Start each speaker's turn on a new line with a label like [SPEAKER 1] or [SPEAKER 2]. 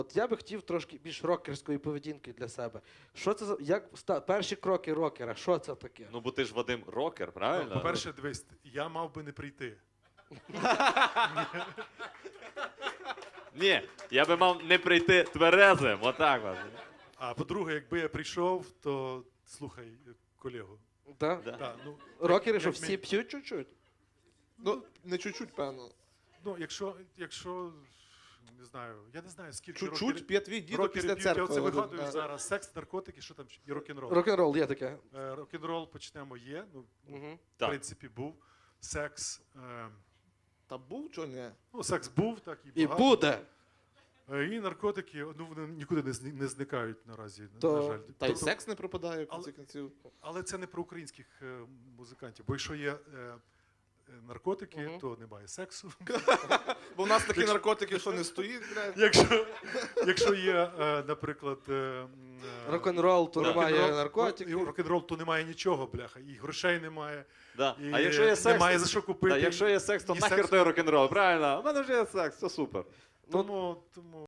[SPEAKER 1] От я би хотів трошки більш рокерської поведінки для себе. Що це за перші кроки рокера? Що це таке?
[SPEAKER 2] Ну, бо ти ж, Вадим, рокер, правильно?
[SPEAKER 3] По-перше, дивись, я мав би не прийти.
[SPEAKER 2] Ні, я би мав не прийти тверезим, отак от.
[SPEAKER 3] А по-друге, якби я прийшов, то слухай колегу.
[SPEAKER 1] Да?
[SPEAKER 2] Да.
[SPEAKER 3] Да, ну,
[SPEAKER 1] Рокери, що
[SPEAKER 3] як
[SPEAKER 1] всі п'ють чуть-чуть?
[SPEAKER 4] Ну, не чуть-чуть, певно.
[SPEAKER 3] Ну, якщо, не знаю, я не знаю, скільки
[SPEAKER 4] Чуть-чуть п'є твій дідо
[SPEAKER 3] рокерів
[SPEAKER 4] після
[SPEAKER 3] п'ють. Я
[SPEAKER 4] церкви.
[SPEAKER 3] оце
[SPEAKER 4] Вадим.
[SPEAKER 3] вигадую
[SPEAKER 4] Да.
[SPEAKER 3] зараз. Секс, наркотики, що там, і рок-н-рол.
[SPEAKER 1] Рок-н-рол є таке.
[SPEAKER 3] Рок-н-рол почнемо є, ну,
[SPEAKER 1] Угу.
[SPEAKER 3] в
[SPEAKER 2] Так.
[SPEAKER 3] принципі, був. Секс,
[SPEAKER 4] Та був, чого ні?
[SPEAKER 3] ну, секс був, так
[SPEAKER 1] І
[SPEAKER 3] багато.
[SPEAKER 1] буде.
[SPEAKER 3] І наркотики, ну, вони нікуди не зникають наразі,
[SPEAKER 1] То-
[SPEAKER 3] на жаль.
[SPEAKER 4] Та й
[SPEAKER 3] Тобто-
[SPEAKER 4] секс не пропадає в
[SPEAKER 3] Але-
[SPEAKER 4] кінці кінців.
[SPEAKER 3] Але це не про українських музикантів, бо якщо є наркотики,
[SPEAKER 1] Мгм.
[SPEAKER 3] то немає сексу.
[SPEAKER 4] Бо в нас такі наркотики, що не стоїть, блядь.
[SPEAKER 3] Якщо є, наприклад,
[SPEAKER 1] Рок-н-рол, то немає
[SPEAKER 3] рок-н-рол,
[SPEAKER 1] наркотиків.
[SPEAKER 3] рок-н-рол, то немає нічого, бляха, і грошей немає,
[SPEAKER 2] Да.
[SPEAKER 3] і
[SPEAKER 2] А якщо є секс,
[SPEAKER 3] немає за що купити.
[SPEAKER 2] якщо є секс, то
[SPEAKER 3] і
[SPEAKER 2] нахер
[SPEAKER 3] секс-
[SPEAKER 2] той рок-н-рол, правильно? У мене вже є секс, все супер.
[SPEAKER 3] Тому